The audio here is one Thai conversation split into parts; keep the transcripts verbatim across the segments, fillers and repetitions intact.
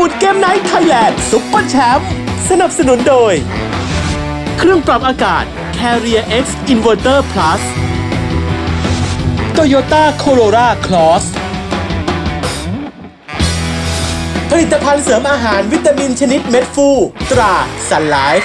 ดเกมไนท์ไทยแลนด์ซุปเปอร์แชมป์สนับสนุนโดยเครื่องปรับอากาศ Carrier X Inverter Plus Toyota Corolla Cross ผลิตภัณฑ์เสริมอาหารวิตามินชนิดเม็ดฟูตรา Sun Life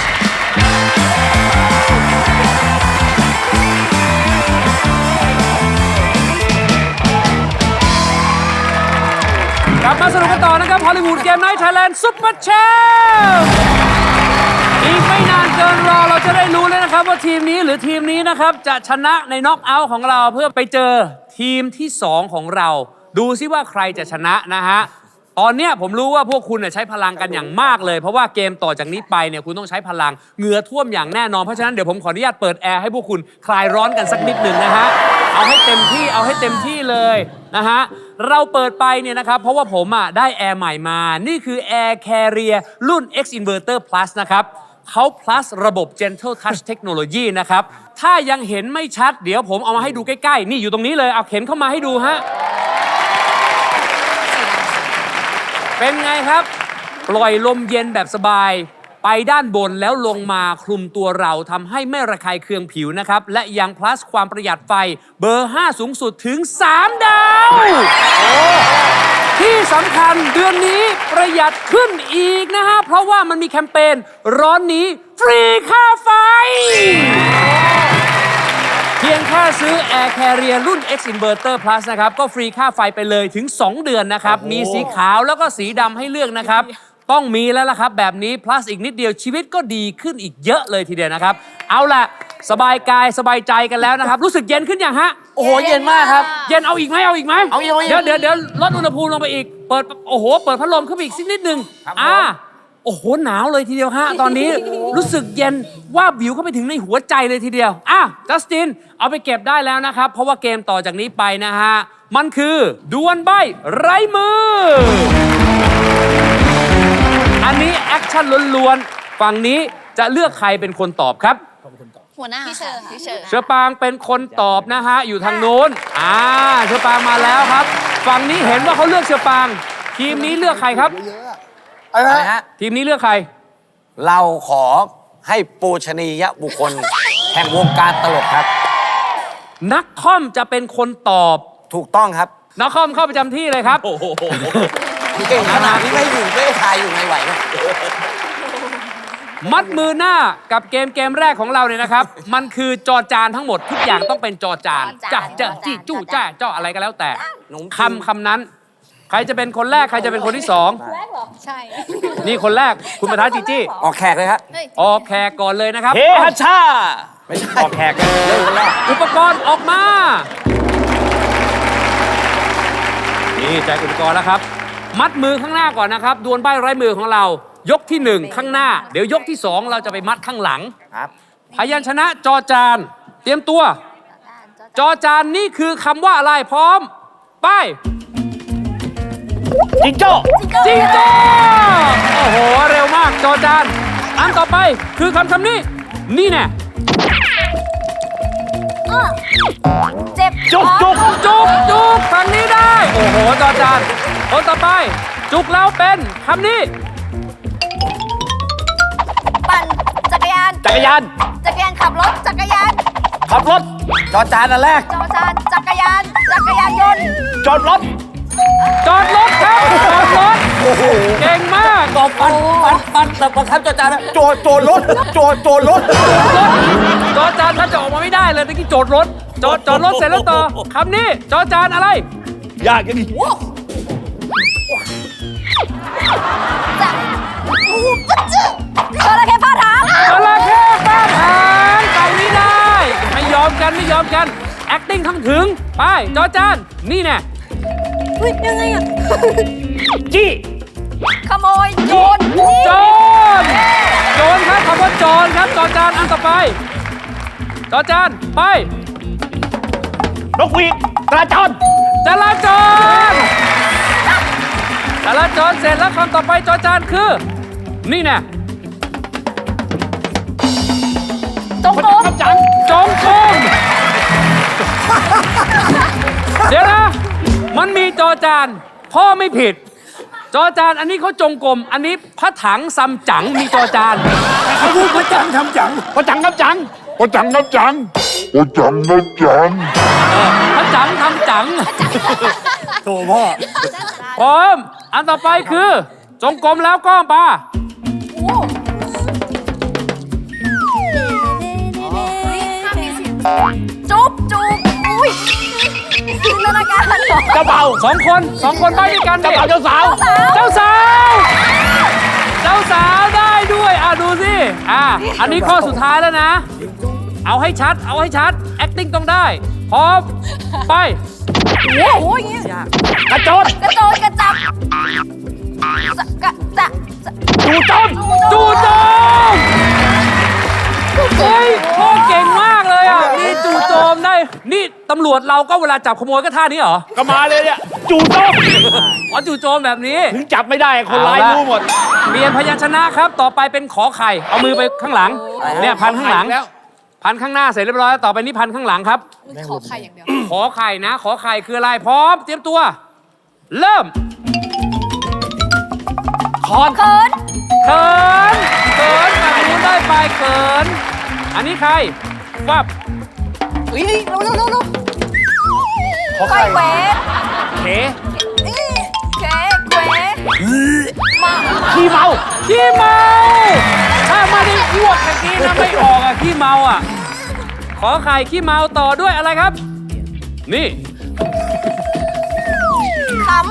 กลับมาสนุกกันต่อนะครับฮอลลีวูดเกมไนท์ไทยแลนด์ซุปเปอร์แชมป์อีกไม่นานเกินรอเราจะได้รู้เลยนะครับว่าทีมนี้หรือทีมนี้นะครับจะชนะในน็อกเอาท์ของเราเพื่อไปเจอทีมที่สองของเราดูซิว่าใครจะชนะนะฮะตอนเนี้ยผมรู้ว่าพวกคุณใช้พลังกันอย่างมากเลยเพราะว่าเกมต่อจากนี้ไปเนี่ยคุณต้องใช้พลังเหงื่อท่วมอย่างแน่นอนเพราะฉะนั้นเดี๋ยวผมขออนุญาตเปิดแอร์ให้พวกคุณคลายร้อนกันสักนิดหนึ่งนะฮะเอาให้เต็มที่เอาให้เต็มที่เลยนะฮะเราเปิดไปเนี่ยนะครับเพราะว่าผมอ่ะได้แอร์ใหม่มานี่คือ Air Carrier รุ่น X Inverter Plus นะครับเขา plus ระบบ Gentle Touch Technology นะครับถ้ายังเห็นไม่ชัดเดี๋ยวผมเอามาให้ดูใกล้ๆนี่อยู่ตรงนี้เลยเอาเข็นเข้ามาให้ดูฮะเป็นไงครับปล่อยลมเย็นแบบสบายไปด้านบนแล้วลงมาคลุมตัวเราทำให้ไม่ระคายเคืองผิวนะครับและยัง plus ความประหยัดไฟเบอร์ห้าสูงสุดถึงสามดาวที่สำคัญเดือนนี้ประหยัดขึ้นอีกนะฮะเพราะว่ามันมีแคมเปญร้อนนี้ฟรีค่าไฟเพียงแค่ซื้อ Air Carrier รุ่น X Inverter Plus นะครับก็ฟรีค่าไฟไปเลยถึงสองเดือนนะครับมีสีขาวแล้วก็สีดำให้เลือกนะครับต้องมีแล้วล่ะครับแบบนี้ plus อีกนิดเดียวชีวิตก็ดีขึ้นอีกเยอะเลยทีเดียวนะครับเอาล่ะสบายกายสบายใจกันแล้วนะครับรู้สึกเย็นขึ้นยังฮะโอ้โหเย็นมากครับเย็นเอาอีกไหมเอาอีกไหมเอาอีกเดี๋ยวเดี๋ยวเดี๋ยวลดอุณหภูมิลงไปอีกเปิดโอ้โหเปิดพัดลมขึ้นไปอีกสักนิดนึงอ่าโอ้โหหนาวเลยทีเดียวฮะตอนนี้รู้สึกเย็นว่าบิวเข้าไปถึงในหัวใจเลยทีเดียวอ่ะจัสตินเอาไปเก็บได้แล้วนะครับเพราะว่าเกมต่อจากนี้ไปนะฮะมันคือดวลใบ้ไร้มืออันนี้แอคชั่นล้วนๆฝั่งนี้จะเลือกใครเป็นคนตอบครับหัวหน้าพี่เชอร์พี่เชอร์เชอปางเป็นคนตอบนะฮะอยู่ทางโน้นอ่าเชอปางมาแล้วครับฝั่งนี้เห็นว่าเขาเลือกเชอปางทีมนี้เลือกใครครับอะไรฮะทีมนี้เลือกใครเราขอให้ปูชนียบุคคล แห่งวงการตลกครับนักคอมจะเป็นคนตอบถูกต้องครับนักคอมเข้าประจำที่เลยครับเก่งขนาดนี้ไม่อยู่ไม่ทายอยู่ในไหวนะมัดมือหน้ากับเกมเกมแรกของเราเนี่ยนะครับมันคือจอจานทั้งหมดทุกอย่างต้องเป็นจอจานจ้าเจ้าจี้จู้จ้าเจ้าอะไรก็แล้วแต่คำคำนั้นใครจะเป็นคนแรกใครจะเป็นคนที่สองใช่นี่คนแรกคุณประธานจีจี้ออกแขกเลยครับออกแขกก่อนเลยนะครับเฮฮัชชาไม่ใช่ออกแขกกันเลยคนแรกอุปกรณ์ออกมานี่แจกอุปกรณ์แล้วครับมัดมือข้างหน้าก่อนนะครับดวลใบ้ไร้มือของเรายกที่หนึ่งข้างหน้าเดี๋ยวยกที่สองเราจะไปมัดข้างหลังครับพยัญชนะจอจานเตรียมตัวจอจานนี่คือคำว่าอะไรพร้อมไปจิงโจ้จิงโจ้โอ้โหเร็วมากจอจานอันต่อไปคือคำคำนี้นี่แน่เจ็บจุกจุกจุกจุกคำนี้ได้โอ้โหจอจานคนต่อไปจุกแล้วเป็นคำนี้ปั่นจักรยานจักรยานจักรยานขับรถจักรยานขับรถจอจานอันแรกจอจานจักรยานจักรยานยนต์จอดรถจอดรถครับจอดรถโอ้โหเก่งมากตอบปันปันปันแต่บังคับจอจานโจโจรถโจโจรถจอจานถ้าจะออกมาไม่ได้เลยตะกี้โจดรถจอดจอดรถเสร็จแล้วต่อคำนี้จอจานอะไรยากกันดิจะจระเข้ฟาดหางจระเข้ฟาดหางฝั่งนี้ได้ไม่ยอมกันไม่ยอมกัน acting ทั้งถึงไปจอจานนี่แน่อุ้ยยังไงอ่ะจี้ขโมยโจรโจรโจรครับคำว่าโจรครับจอจานอันต่อไปจอจานไปนกหวีดจราจรจราจรจราจรเสร็จแล้วคำต่อไปจอจานคือนี่แน่จงโกงจงโกงเดี๋ยวนะมันมีจอจานพ่อไม่ผิดจอจานอันนี้เขาจงกรมอันนี้พระถังซัมจั๋งมีจอจานเขาพูดพระจังทำจังพระจังทำจังพระจังทำจังพระจังทำจังพระจังทำจังโถพ่อพร้อมอันต่อไปคือจงกรมแล้วก็ปาจุ๊บจุ๊บอุ้ยจินตนาการเหรอเจ้าเบ่าวสองคนสองคนไปด้วยกันเจ้าบ่าวเจ้าสาวเจ้าสาวเจ้าสาวได้ด้วยอ่ะดูสิอ่ะอันนี้ข้อสุดท้ายแล้วนะเอาให้ชัดเอาให้ชัด acting ต้องได้พร้อมไปโอ้ยกระโจนกระโจนกระจับกระจะจู่โจมจู่โจมเฮ้ยพ่อเก่งมากเลยอ่ะนี่จู่โจมได้นี่ตำรวจเราก็เวลาจับขโมยก็ท่านี้เหรอก็มาเลยเนี่ยจู่โจมอ๋อจู่โจมแบบนี้ถึงจับไม่ได้คนร้ายรู้หมดเปลี่ยนพยัญชนะครับต่อไปเป็นขอไข่เอามือไปข้างหลังเนี่ยพันข้างหลังพันข้างหน้าเสร็จเรียบร้อยแล้วต่อไปนี่พันข้างหลังครับขอไข่อย่างเดียวขอไข่นะขอไข่คืออะไรพร้อมเตรียมตัวเริ่มคอนเขินเขินเขินแบบนี้ได้ไปเขินอันนี้ใครฟับอุ้ยรู้รู้รู้รู้ไข่เวฟเขเขเวฟมาขี้เมาขี้เมาถ้าไม่ได้อ้วกตะกี้นะไม่ออกอ่ะขี้เมาอ่ะขอไข่ขี้เมาต่อด้วยอะไรครับนี่ขำ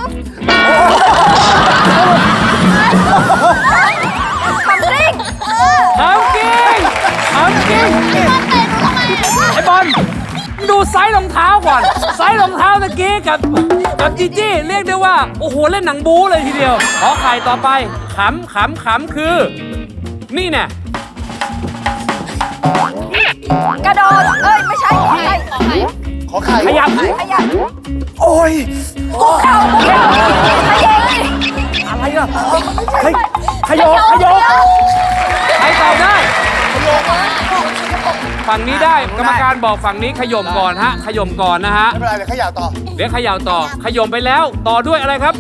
ขำกริ้งขำกิ้งขำกิ้งไอ้บอลดูไซส์รองเท้าก่อนไซส์รองเท้าตะกี้กับกับจีจี้เรียกได้ว่าโอ้โหเล่นหนังบู๊เลยทีเดียวขอไข่ต่อไปขำขำขำคือนี่เนี่ยกระโดดเอ้ยไม่ใช่ขอไข่ขอไข่ขอไข่ขยับขยับโอ้ยคุกเข่าคุกเข่าขยับอะไรอ่ะขยขยกขยกใครตอบได้ฝั่งนี้ได้กรรมการบอกฝั่งนี้ขย่มก่อนฮะขย่มก่อนนะฮะไม่เป็นไรเดี๋ยวขย่าต่อเดี๋ยวขย่าต่อขย่มไปแล้วต่อด้วยอะไรครับ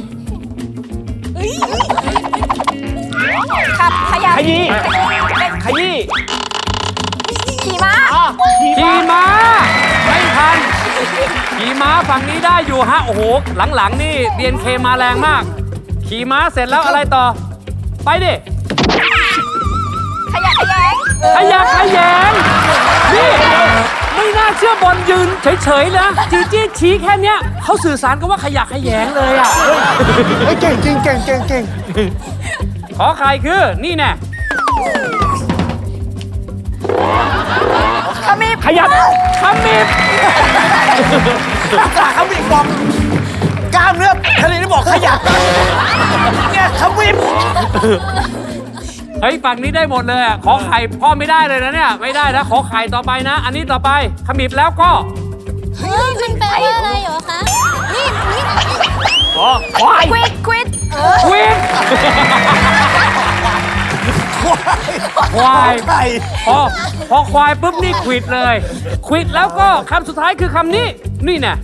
ขับขยับขยี้ขยี้ขี่ม้าขี่ม้าไม่ทันขี่ม้าฝั่งนี้ได้อยู่ฮะโอ้โหหลังๆนี่ ดี เอ็น เค มาแรงมากขี่ม้าเสร็จแล้วอะไรต่อไปดิขยักขยงขยักขยงนี่ไม่น่าเชื่อบอลยืนเฉยๆนะจีจี้ชี้แค่เนี้ยเขาสื่อสารกันว่าขยักขยงเลยอ่ะเก่งจริงเก่งเก่งเก่งขอใครคือนี่แน่ขมิบขยับขมิบขมิบบอกกล้ามเนื้อทะเลนี่บอกขยับเนี่ยขมิบเฮ้ยฝั่งนี้ได้หมดเลยอ่ะขอไข่พ่อไม่ได้เลยนะเนี่ยไม่ได้นะขอไข่ต่อไปนะอันนี้ต่อไปขมิบแล้วก็เฮ้ยมันแปลว่าอะไรเหรอคะนี่นี่อ๋อควายควิดควิดควิดควายพอพอควายปุ๊บนี่ควิดเลยควิดแล้วก็คำสุดท้ายคือคำนี้นี่แน่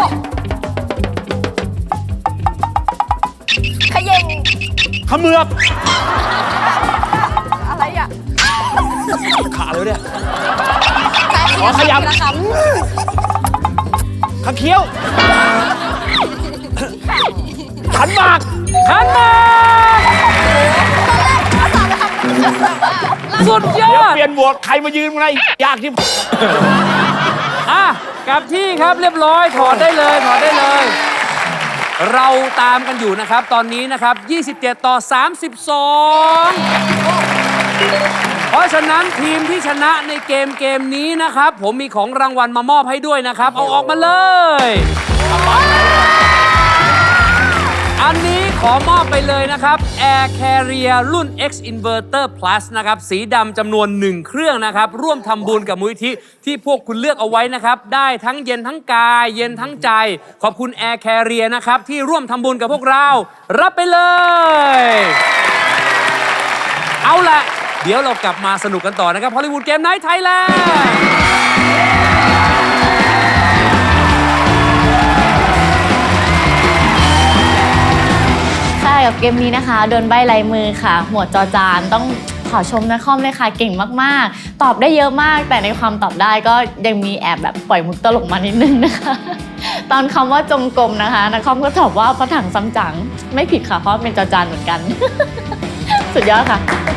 ขย่งขมือบอะไรอ่ะขาเลยเนี่ยขอขยับขาเคี้ยวขันหมากขันหมากสุดยอดเปลี่ยนบวกใครมายืนไงยากที่อ่ะกลับที่ครับเรียบร้อยถอดได้เลยถอดได้เลยเราตามกันอยู่นะครับตอนนี้นะครับยี่สิบเจ็ดต่อสามสิบสองเพราะฉะนั้นทีมที่ชนะในเกมเกมนี้นะครับผมมีของรางวัลมามอบให้ด้วยนะครับเอาออกมาเลยอันนี้ขอมอบไปเลยนะครับ Air Carrier รุ่น X Inverter Plus นะครับสีดำจำนวนหนึ่งเครื่องนะครับร่วมทำบุญกับมูลนิธิที่พวกคุณเลือกเอาไว้นะครับได้ทั้งเย็นทั้งกายเย็นทั้งใจขอบคุณ Air Carrier นะครับที่ร่วมทำบุญกับพวกเรารับไปเลยเอาละเดี๋ยวเรากลับมาสนุกกันต่อนะครับฮอลลีวูดเกมไนท์ไทยแลนด์ค่ะกับเกมนี้นะคะโดนใบลายมือค่ะ หมวดจอจานต้องขอชมนะคอมเลยค่ะเก่งมากๆตอบได้เยอะมากแต่ในความตอบได้ก็ยังมีแอบแบบปล่อยมุกตลกมานิดนึงนะคะตอนคำว่าจงกรมนะคะนักคอมก็ตอบว่าพระถังซ้ำจังไม่ผิดค่ะเพราะเป็นจอจานเหมือนกัน สุดยอดค่ะ